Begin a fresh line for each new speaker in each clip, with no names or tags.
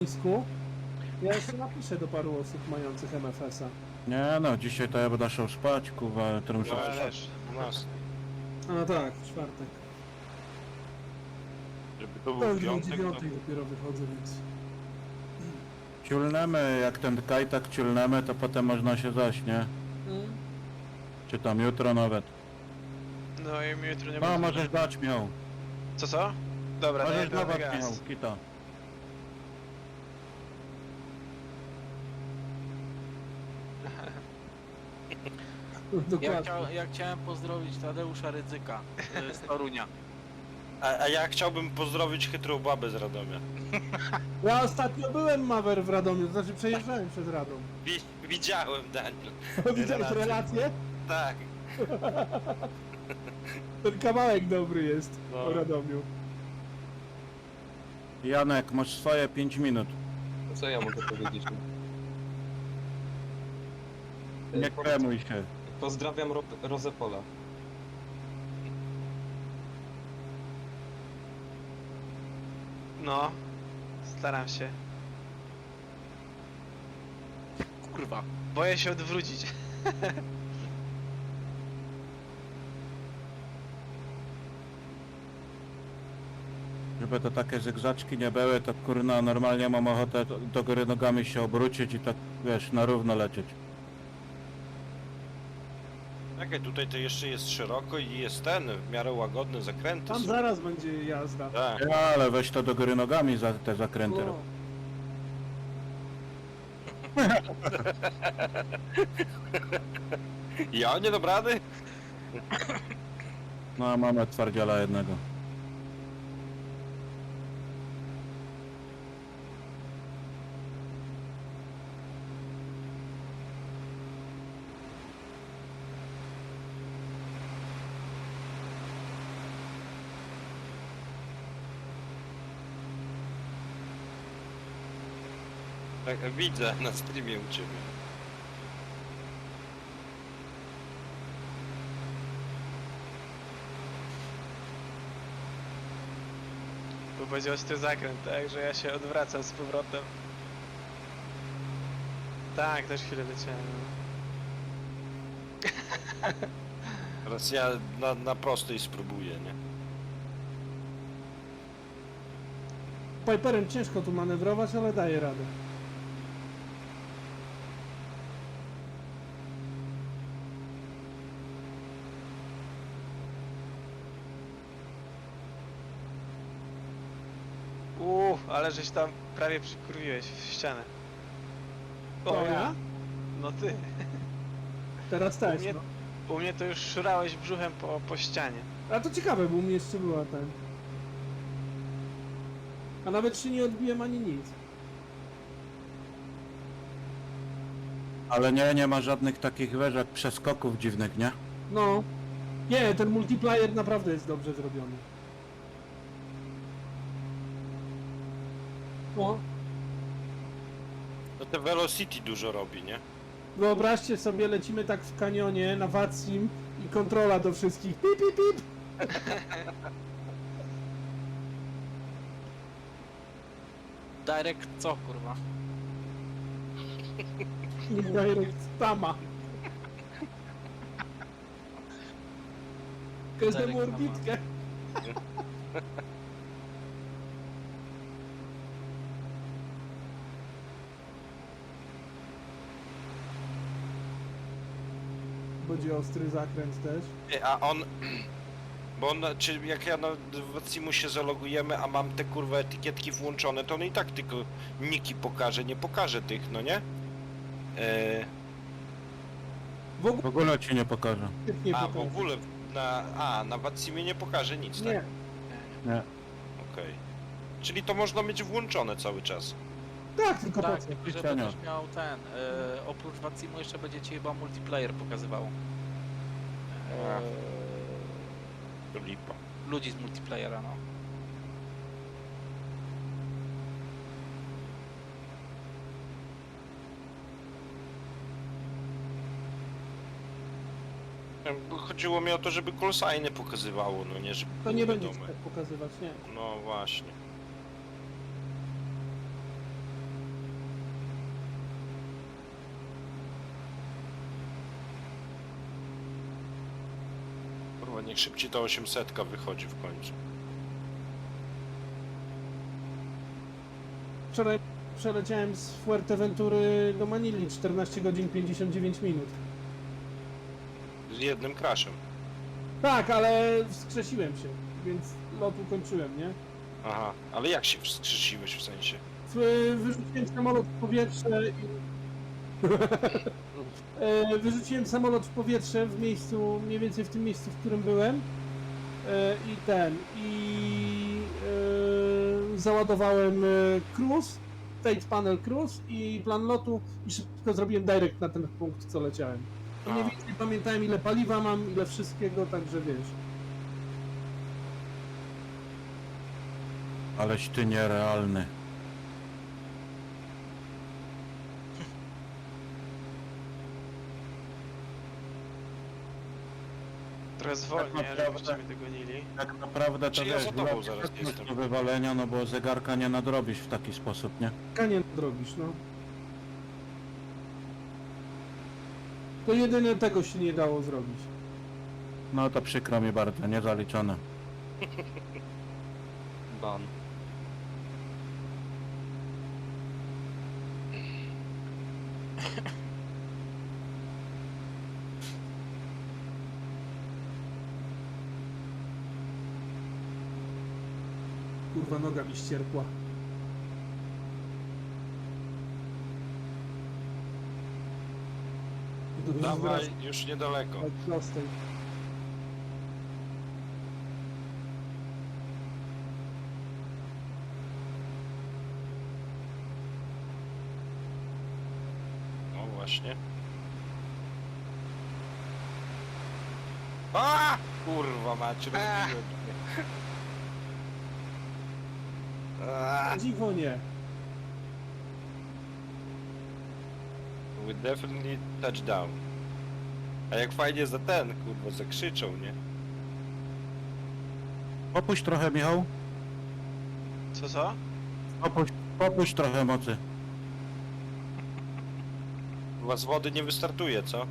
Nisku. Ja jeszcze napiszę do paru osób mających MFS-a.
Nie no, dzisiaj to ja będę szał spać, kurwa, jutro muszę...
No też, u nas.
A no tak, w czwartek.
Żeby to
To
był
już o
piątek, to...
9 dopiero wychodzę, więc...
Ciulnemy, jak ten kajtak ciulnemy, to potem można się zaśnie. Czy tam jutro nawet.
No i mi jutro nie
No,
będzie.
możesz dać miał.
Co? Dobra,
Możesz
daję pełny
dawać
gaz.
miał, kita.
Dokładnie.
Ja chciałem pozdrowić Tadeusza Rydzyka z Torunia.
A ja chciałbym pozdrowić chytrą babę z Radomia.
Ja ostatnio byłem Mawer w Radomiu, to znaczy przejeżdżałem przez Radom.
Widziałem, Daniel.
Widziałeś relację?
Tak.
Ten kawałek dobry jest
No.
o Radomiu.
Janek, masz swoje 5 minut.
Co ja mogę powiedzieć?
Nie kremuj się.
Pozdrawiam Rozepola.
No, staram się.
Kurwa.
Boję się odwrócić.
Żeby to takie zygzaczki nie były, to kurna normalnie mam ochotę do góry nogami się obrócić i tak, wiesz, na równo lecieć.
Czekaj, tutaj to jeszcze jest szeroko i jest ten, w miarę łagodny zakręty
Tam
są.
zaraz będzie jazda.
Tak.
Ja, ale weź to do góry nogami za te zakręty
No.
rób.
Ja nie dam rady?
No a mamy twardziela jednego.
Tak, widzę na streamie u ciebie.
Bo będzie ostry zakręt, tak? Że ja się odwracam z powrotem. Tak, też chwilę leciałem.
Teraz ja na prostej spróbuję, nie?
Piperem ciężko tu manewrować, ale daje radę.
Ale żeś tam prawie przykurwiłeś w ścianę.
To ja?
No ty.
Teraz też,
U mnie-
no.
U mnie to już szurałeś brzuchem po ścianie.
A to ciekawe, bo u mnie jeszcze była ten... A nawet się nie odbiłem ani nic.
Ale nie ma żadnych takich jak przeskoków dziwnych, nie?
No. Nie, ten multiplayer naprawdę jest dobrze zrobiony. O,
No te Velocity dużo robi, nie?
wyobraźcie sobie, lecimy tak w kanionie na Vatsim i kontrola do wszystkich. Pip, pip, pip.
Direct co kurwa?
Direct Tama. Każdemu
Direct Tama.
orbitkę. Będzie ostry zakręt też.
A on... Bo on, czy jak ja na Watsimu się zalogujemy, a mam te kurwa etykietki włączone, to on i tak tylko niki pokaże, nie pokaże tych, no nie?
W ogóle
W ogóle ci nie pokażę.
nie
A w
pokaże.
ogóle na Watsimie nie pokaże nic,
Nie.
tak?
Nie.
Okej. Czyli to można mieć włączone cały czas.
Tak, tylko po
Tak,
co?
tylko że
Pisania.
będziesz miał ten. Oprócz Watsimu jeszcze będzie ci chyba multiplayer pokazywało.
To lipa.
Ludzi z multiplayera, no.
Chodziło mi o to, żeby callsigny pokazywało, no nie, żeby
To
było
nie będzie ci
wiadome.
tak pokazywać, nie.
No właśnie. Niech szybciej ta 800 wychodzi w końcu.
Wczoraj przeleciałem z Fuerteventury do Manili 14 godzin 59 minut.
Z jednym crashem.
Tak, ale wskrzesiłem się, więc lot ukończyłem, nie?
Aha, ale jak się wskrzesiłeś w sensie?
Wyrzuciłem samolot w powietrze i... Wyrzuciłem samolot w powietrze w miejscu, mniej więcej w tym miejscu, w którym byłem. Załadowałem cruise, Fate Panel Cruise i plan lotu i szybko zrobiłem direct na ten punkt, co leciałem. I mniej więcej pamiętałem, ile paliwa mam, ile wszystkiego, także wiesz.
Aleś ty nierealny.
Trochę zwolnię,
Tak naprawdę.
żebyście mnie dogonili.
Tak naprawdę to
Czy ja
wiesz,
za tobą
była
zaraz
pewność
jestem?
do wywalenia, no bo zegarka nie nadrobisz w taki sposób, nie?
Kanie drogisz, no. To jedyne tego się nie dało zrobić.
No to przykro mi bardzo, niezaliczone.
Ban.
Kurwa, noga mi ścierpła.
Dawaj, już niedaleko.
Tak, prostej.
No właśnie. A! Kurwa macie, rozbiłem mnie. A!
Dziwo nie.
We definitely touchdown. A jak fajnie za ten, kurwa, zakrzyczą, nie?
Popuść trochę, Michał.
Co?
Popuść trochę mocy.
Chyba z wody nie wystartuje, co?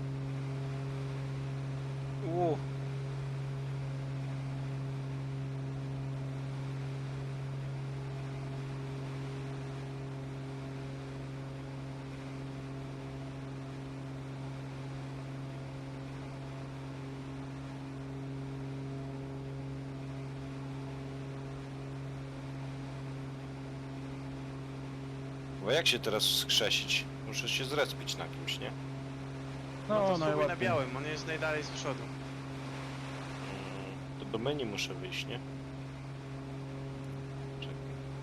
Bo jak się teraz wskrzesić? Muszę się zrespić na kimś, nie?
No to spróbuj na
najłatwiej.
białym, on jest najdalej z przodu.
To do menu muszę wyjść, nie? Czekaj.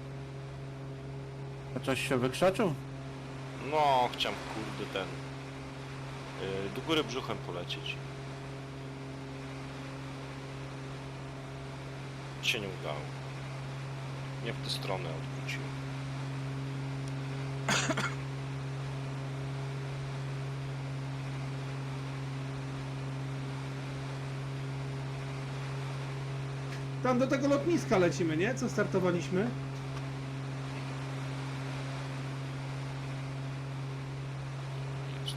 A coś się wykrzaczył?
No, chciałem, kurde, ten... do góry brzuchem polecieć. Się nie udało. Nie w tę stronę odwróciłem.
Tam do tego lotniska lecimy, nie? Co startowaliśmy?
Jest.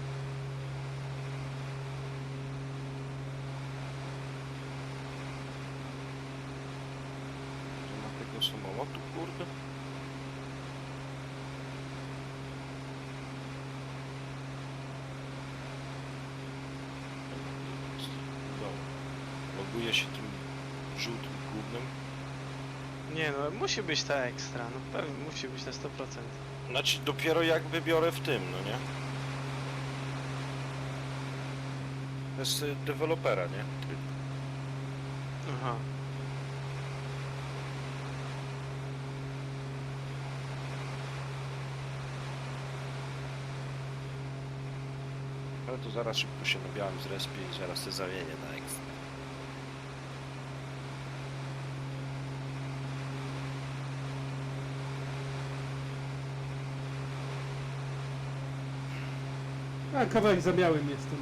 Nie ma tego samolotu, kurde. Udało. Loguje się tym żółtym gównem.
Nie no, musi być ta ekstra, no pewnie musi być na 100%.
Znaczy dopiero jak wybiorę w tym, no nie? To jest dewelopera, nie?
Aha.
Ale to zaraz szybko się na białym zrespię i zaraz te zamienię na ekstra.
A, kawałek za białym jestem.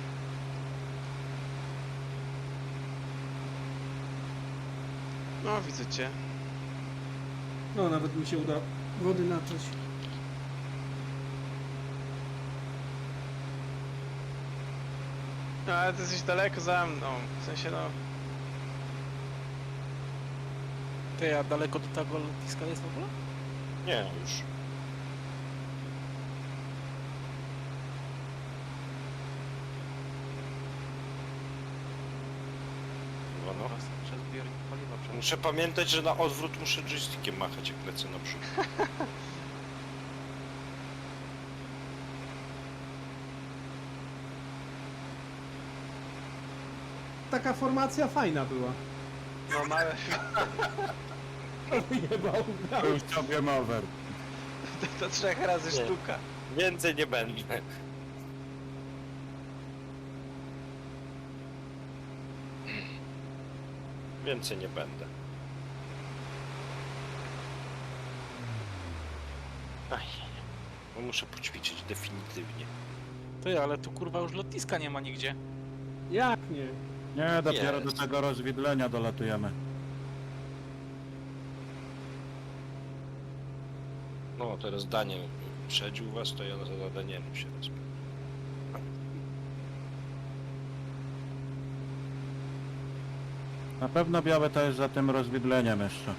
No widzę cię.
No, nawet mi się uda wody nacząć.
No ale ty jesteś daleko za mną. W sensie no...
Ty, a daleko do tego lotniska jest w ogóle?
Nie, już. Chyba no.
Teraz przez zbiornik paliwa przecież.
Muszę pamiętać, że na odwrót muszę joystickiem machać, jak lecę na przód.
Taka formacja fajna była.
No małe...
Wyjebał.
Był sobie mower.
To 3 razy
Nie.
sztuka.
Więcej nie będę. Więcej nie będę. Aj, bo muszę poćwiczyć definitywnie.
Ty, ale tu kurwa już lotniska nie ma nigdzie.
Jak nie?
Nie, dopiero
Jest.
do tego rozwidlenia dolatujemy.
No, teraz Daniel przedził was, to ja za Danielem się rozpię.
Na pewno białe to jest za tym rozwidleniem jeszcze.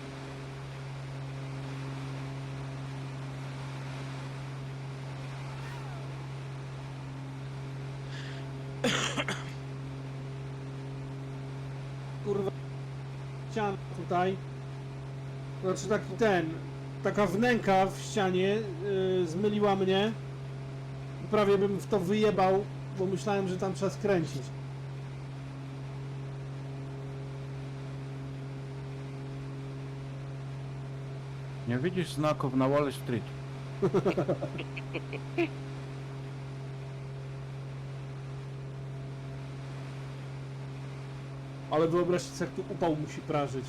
Kurwa. Ściana tutaj. Znaczy taki taka wnęka w ścianie zmyliła mnie. Prawie bym w to wyjebał, bo myślałem, że tam trzeba skręcić.
Nie widzisz znaków na Wall Street.
Ale wyobraźcie sobie, jak tu upał musi prażyć.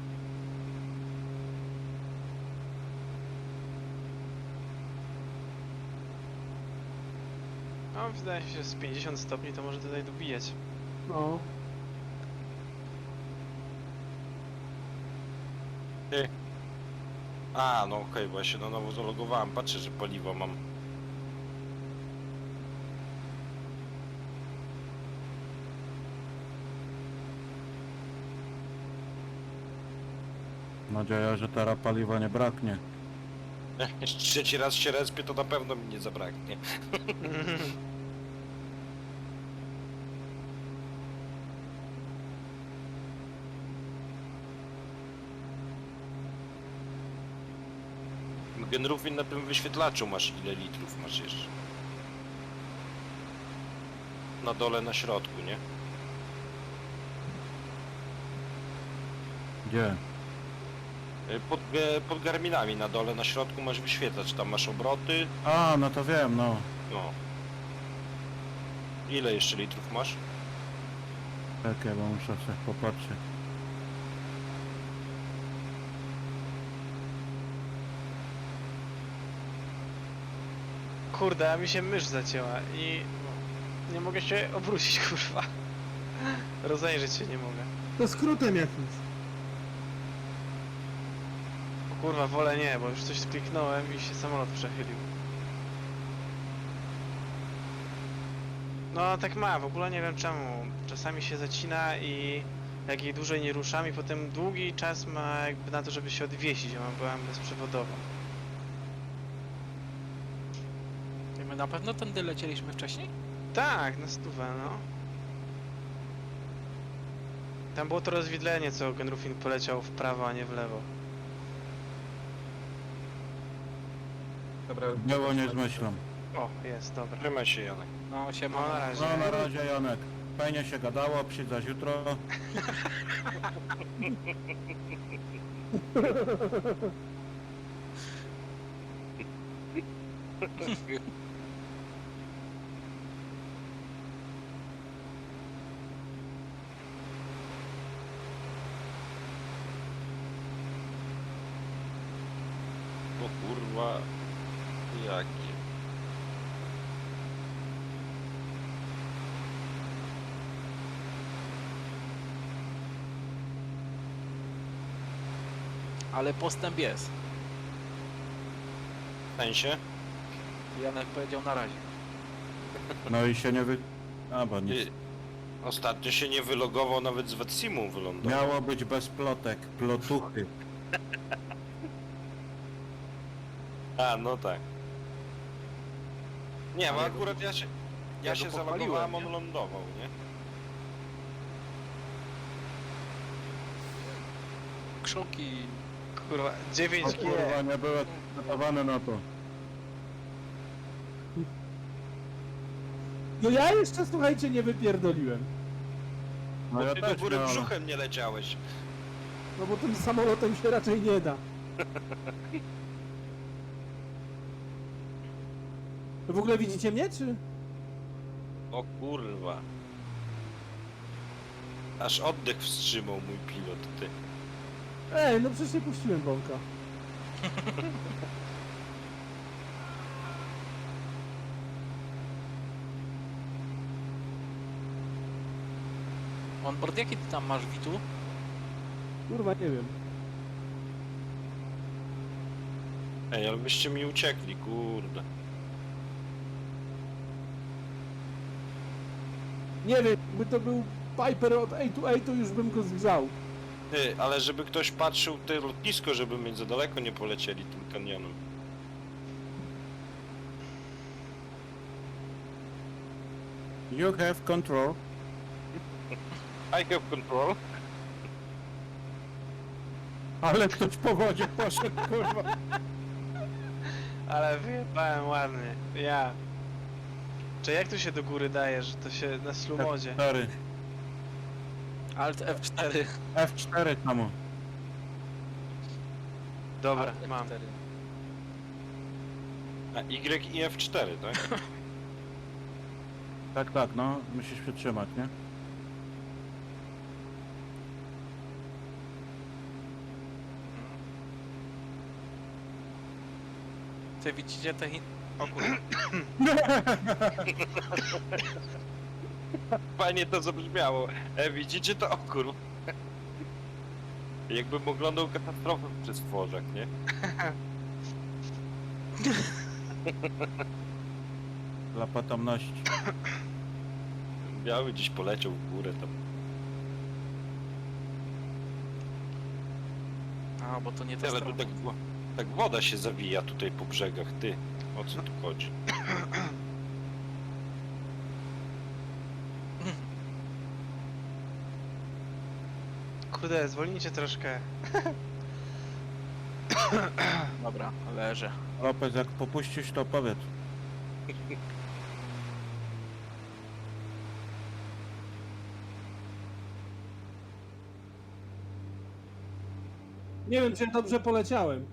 No wydaje mi się, że z 50 stopni to może tutaj dobijać.
No.
A, no okej, bo ja się na nowo zalogowałem. Patrzę, że paliwo mam.
Nadzieja, że teraz paliwa nie braknie.
Jeszcze trzeci raz się respię, to na pewno mi nie zabraknie. Genrufin na tym wyświetlaczu masz ile litrów masz jeszcze? Na dole, na środku, nie?
Gdzie?
Pod garminami na dole, na środku masz wyświetlacz, tam masz obroty.
A, no to wiem, no.
No. Ile jeszcze litrów masz?
Czekaj, bo muszę sobie popatrzeć.
Kurde, a mi się mysz zacięła i nie mogę się obrócić, kurwa. Rozejrzeć się nie mogę.
To skrótem jakimś.
O kurwa, wolę nie, bo już coś kliknąłem i się samolot przechylił. No tak ma, w ogóle nie wiem czemu. Czasami się zacina i jak jej dłużej nie ruszam i potem długi czas ma jakby na to, żeby się odwiesić, ja byłem bezprzewodową.
I my na pewno tędy lecieliśmy wcześniej?
Tak, na stówę, no. Tam było to rozwidlenie, co Genrufin poleciał w prawo, a nie w lewo.
Dobra,
Było nie zmyślam.
O, jest, dobra.
Trzymaj się, Janek.
No, siema.
No na razie.
No na razie, Janek. Fajnie się gadało, przyjdź jutro.
O kurwa. Jakie?
Ale postęp jest.
W sensie?
Janek powiedział na razie.
No i się nie wy... A, bo nic.
Ostatnio się nie wylogował, nawet z Wetsimu wylądował.
Miało być bez plotek, plotuchy.
A, no tak. Nie, bo
Ale
akurat ja się
ja go
zalogowałem,
pochwaliłem,
on
nie?
lądował, nie?
Krzuki.
Kurwa,
O
9G.
kurwa, nie byłem przygotowany na to.
No ja jeszcze, słuchajcie, nie wypierdoliłem.
No
Bo
ja
ty do
też
góry
miałem.
brzuchem nie leciałeś.
No bo tym samolotem się raczej nie da. To w ogóle widzicie mnie, czy?
O kurwa. Aż oddech wstrzymał mój pilot, ty.
Ej, no przecież nie puściłem bąka.
Onboard, jaki ty tam masz, Witu?
Kurwa, nie wiem.
Ej, ale byście mi uciekli, kurde.
Nie wiem, by to był Piper od A2A, to już bym go zgrzał.
Ty, ale żeby ktoś patrzył te lotnisko, żeby mieć za daleko nie polecieli tym kanionem.
You have control.
I have control.
Ale ktoś po wodzie poszedł, kurwa.
Ale wyjebałem ładnie. Ja. Czy jak tu się do góry daje, że to się na slumodzie?
F4.
Alt F4.
F4 tam.
Dobra,
Alt
mam.
F4.
A Y i F4, tak?
Tak, tak, no. Musisz się trzymać, nie?
Ty widzicie te O kurwa.
Fajnie to zabrzmiało. Widzicie to? O kurwa. Jakbym oglądał katastrofę przez Dworzak, nie?
Dla potomności.
Biały gdzieś poleciał w górę tam.
A, bo to nie ta
Ale tu
strona.
tak woda się zawija tutaj po brzegach, ty. O co tu chodzi?
Kurde, zwolnijcie troszkę.
Dobra, leżę.
Lopez, jak popuścisz, to powiedz.
Nie wiem, czy dobrze poleciałem.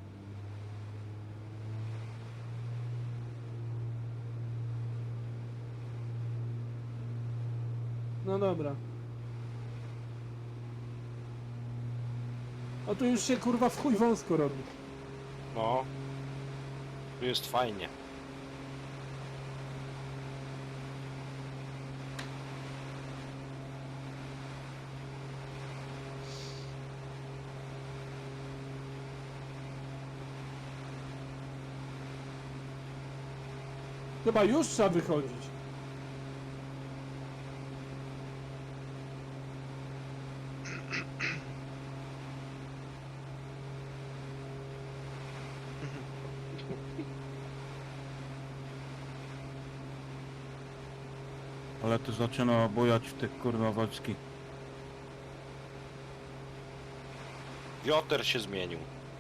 No dobra. O tu już się kurwa w chuj wąsko robi.
No. Tu jest fajnie.
Chyba już trzeba wychodzić.
Ale tu zaczyna bujać w tych kurwa wojskich.
Wioter się zmienił.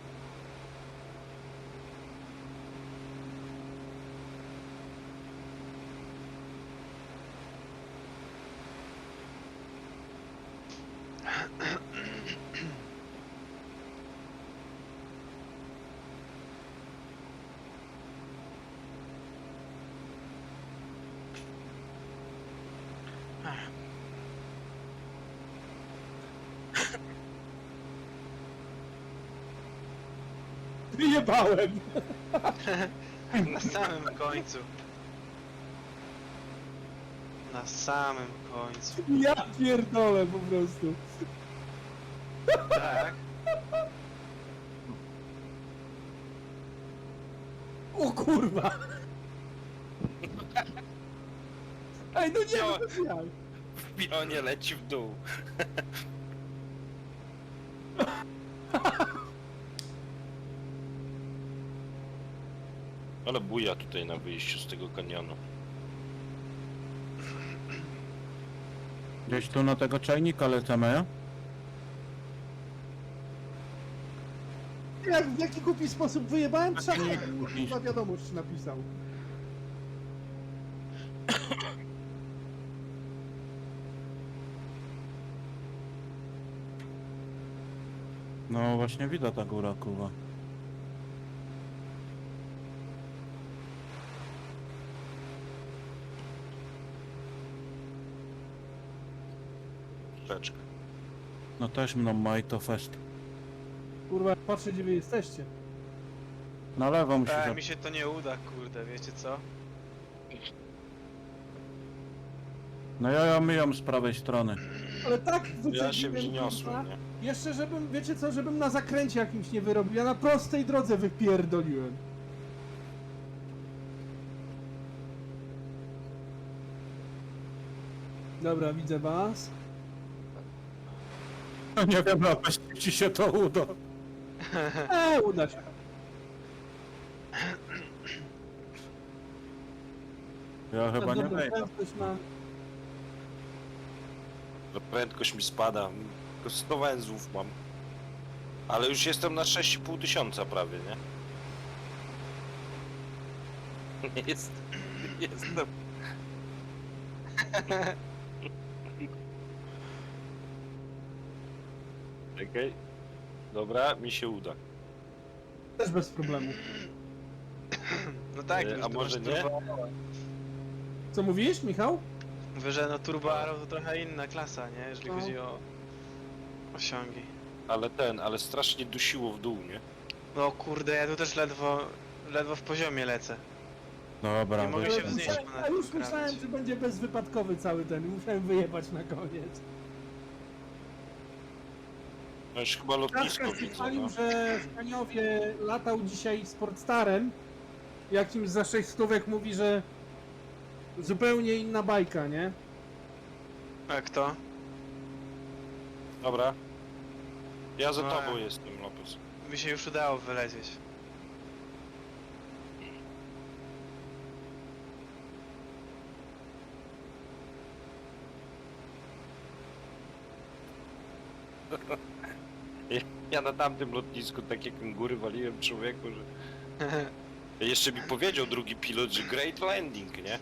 Wyjebałem.
Na samym końcu. Na samym końcu.
Ja pierdolę po prostu.
Tak.
O kurwa. Ej, no nie
Wziąłem-
wiem, jak.
w pionie leci w dół. Ale buja tutaj na wyjściu z tego kanionu.
Gdzieś tu na tego czajnika lecimy.
Jak w jaki głupi sposób wyjebałem trzeba
nie,
chyba wiadomość napisał.
No właśnie widać ta góra, kurwa.
Beczka.
No też mną ma i to fest.
Kurwa, patrzę gdzie wy jesteście.
Na lewo musisz...
Mi się to nie uda, kurde, wiecie co?
No ja myją z prawej strony.
Ale tak
Ja się
wycedziłem,
wzniosłem,
kurwa.
nie?
Jeszcze żebym, wiecie co, żebym na zakręcie jakimś nie wyrobił, ja na prostej drodze wypierdoliłem. Dobra, widzę was.
No nie wiem, na pewno ci się to uda.
Uda się.
Ja chyba nie
Dobra,
wejdę.
prędkość mam.
No prędkość mi spada. Tylko 100 węzłów mam. Ale już jestem na 6,5 tysiąca prawie, nie? Jestem. Czekaj. Dobra, mi się uda.
Też bez problemu.
No tak,
A
już tu
może
masz
nie?
Turbo,
Co mówisz, Michał?
mówię, że no Turbo Arrow to trochę inna klasa, nie? Jeżeli
No.
chodzi o osiągi.
Ale strasznie dusiło w dół, nie?
No kurde, ja tu też ledwo w poziomie lecę.
Dobra,
Nie mogę
wyjdę.
się wznieść.
A już myślałem, że będzie bezwypadkowy cały ten. Musiałem wyjebać na koniec.
No już chyba lotnisko
Kaszka się
widzę,
chwalił,
no.
że w Kaniowie latał dzisiaj Sportstarem. Jakimś za 6 stówek mówi, że zupełnie inna bajka, nie?
A kto?
Dobra. Ja za
No,
tobą
ja.
jestem, Lopez.
Mi się już udało wylecieć.
Ja na tamtym lotnisku tak jak góry waliłem człowieku, że... Jeszcze mi powiedział drugi pilot, że great landing, nie?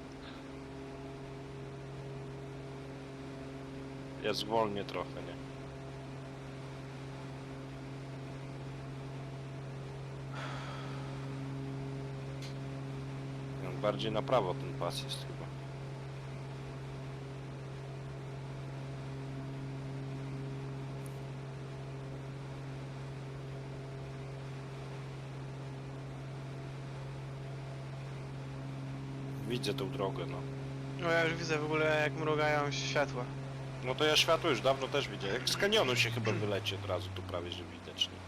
Ja zwolnię trochę, nie? No, bardziej na prawo ten pas jest chyba. Widzę tą drogę, no.
No ja już widzę w ogóle jak mrugają światła.
No to ja światło już dawno też widzę. Jak z kanionu się chyba wyleci od razu, tu prawie że widać, nie?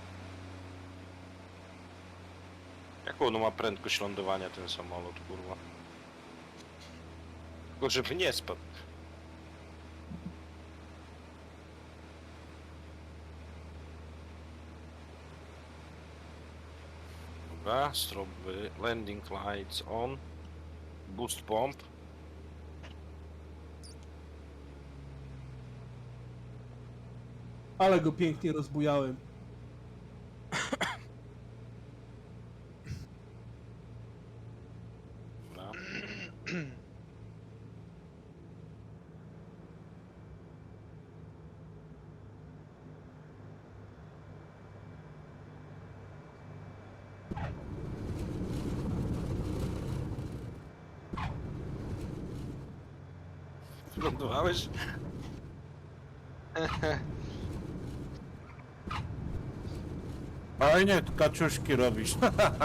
Jaką ono ma prędkość lądowania ten samolot, kurwa? Tylko żeby nie spadł. Dobra, strobe landing lights on. Boost pomp.
Ale go pięknie rozbujałem.
Dobra. Wylądowałeś?
Fajnie, kaczuszki robisz.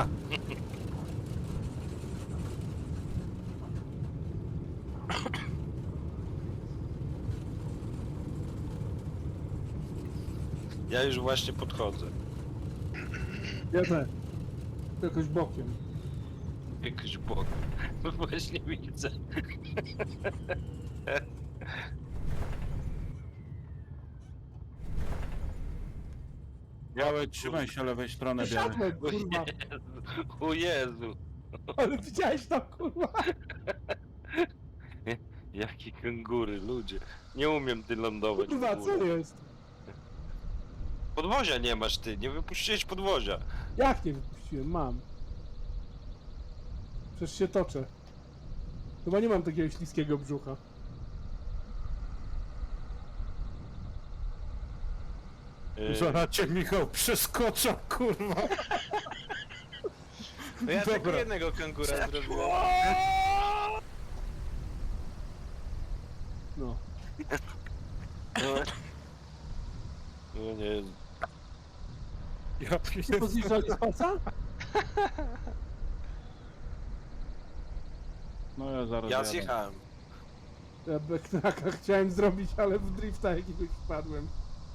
Ja już właśnie podchodzę.
Ja też. Jakoś bokiem.
Jakoś bok. Właśnie widzę.
Biały, trzymaj się lewej strony, biały.
Siadłem, kurwa.
O Jezu,
Ale widziałeś to, kurwa?
jakie kangury, ludzie. Nie umiem ty lądować w
Kurwa, co
ogóle.
jest?
Podwozia nie masz ty, nie wypuściłeś podwozia.
Jak nie wypuściłem? Mam. Przecież się toczę. Chyba nie mam takiego śliskiego brzucha.
Zaraz cię, Michał, przeskoczę, kurwa.
No ja tylko
Dobra.
jednego kangura zrobiłem.
No.
No nie,
Ja pierdolę.
Pozjeżdżali z palca?
No ja zaraz
ja
jadę.
zjechałem.
Ja backtracka chciałem zrobić, ale w drifta jakiegoś wpadłem.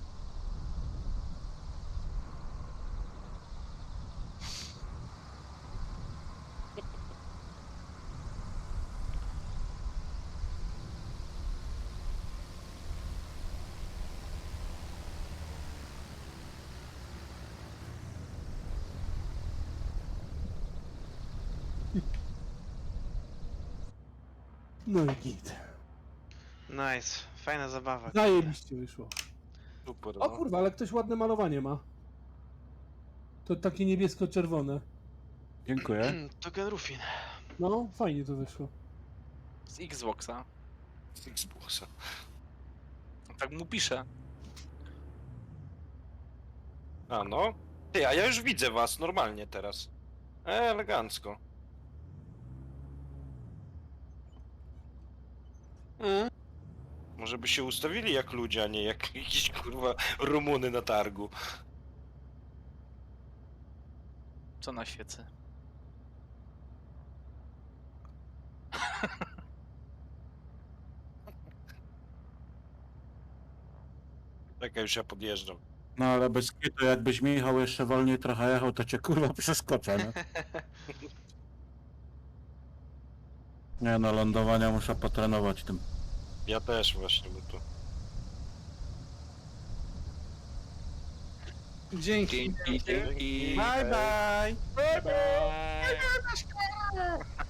No i git.
Nice, fajna zabawa.
Zajebiście wyszło.
Super,
O
no.
kurwa, ale ktoś ładne malowanie ma. To takie niebiesko-czerwone.
Dziękuję.
To Genrufin.
No, fajnie to wyszło.
Z Xboxa.
Z Xboxa.
Tak mu pisze.
A no. Ty, a ja już widzę was normalnie teraz. Elegancko. Może by się ustawili jak ludzie, a nie jak jakieś kurwa Rumuny na targu.
Co na świecy?
Czekaj, już ja podjeżdżam.
No ale bez kitu, jakbyś Michał jeszcze wolniej trochę jechał, to cię kurwa przeskoczę, nie? Nie no, lądowania muszę potrenować tym.
Ja też właśnie, bo tu...
Dzięki.
Dzięki.
Bye bye!
Bye bye.